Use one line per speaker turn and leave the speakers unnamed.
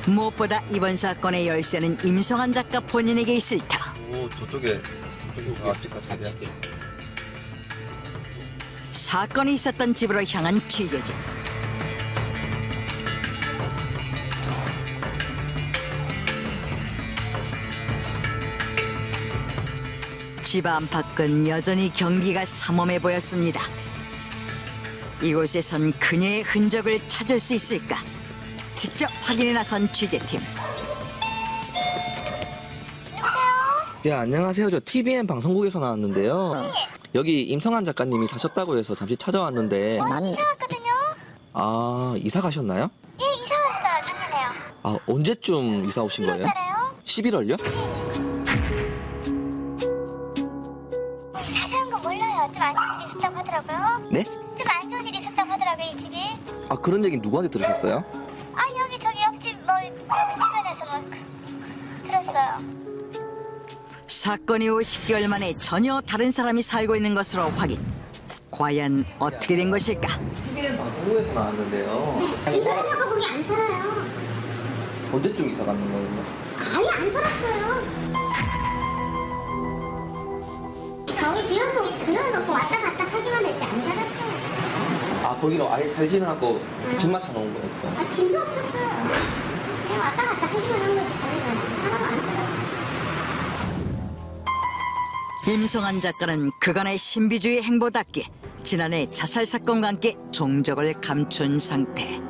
무엇보다 이번 사건의 열쇠는 임성한 작가 본인에게 있을 터.
오, 저쪽에 앞집 같은데요?
사건이 있었던 집으로 향한 취재진. 집 안팎은 여전히 경기가 삼엄해 보였습니다. 이곳에선 그녀의 흔적을 찾을 수 있을까? 직접 확인에 나선 취재팀.
예, 안녕하세요. 저 TVN 방송국에서 나왔는데요. 여기 임성한 작가님이 사셨다고 해서 잠시 찾아왔는데.
이사 왔거든요.
아, 이사 가셨나요?
예, 이사 왔어요. 작년에요.
아, 언제쯤 이사 오신 거예요? 11월요?
자세한 건 몰라요. 좀 안 좋은 일이 있었다고 하더라고요.
네?
좀 안 좋은 일이 있었다고 하더라고요, 이 집이.
아, 그런 얘기 누구한테 들으셨어요?
아, 여기 저기 옆집 뭐 주변에서 뭐 들었어요.
사건 이후 10개월 만에 전혀 다른 사람이 살고 있는 것으로 확인. 과연 어떻게 된 것일까?
TVN 방송국에서 나왔는데요.
이사가 거기 안 살아요.
언제쯤 이사 가는 거예요?
아예 안 살았어요. 거기 비워놓고 왔다 갔다 하기만 했지 안 살았어요.
아, 거기로 아예 살지는 않고 집만 사놓은 거였어.
아, 짐도 없었어요. 그냥 왔다 갔다 하기만 한 거지. 거기는 사람 안 살았어요.
임성한 작가는 그간의 신비주의 행보답게 지난해 자살 사건과 함께 종적을 감춘 상태.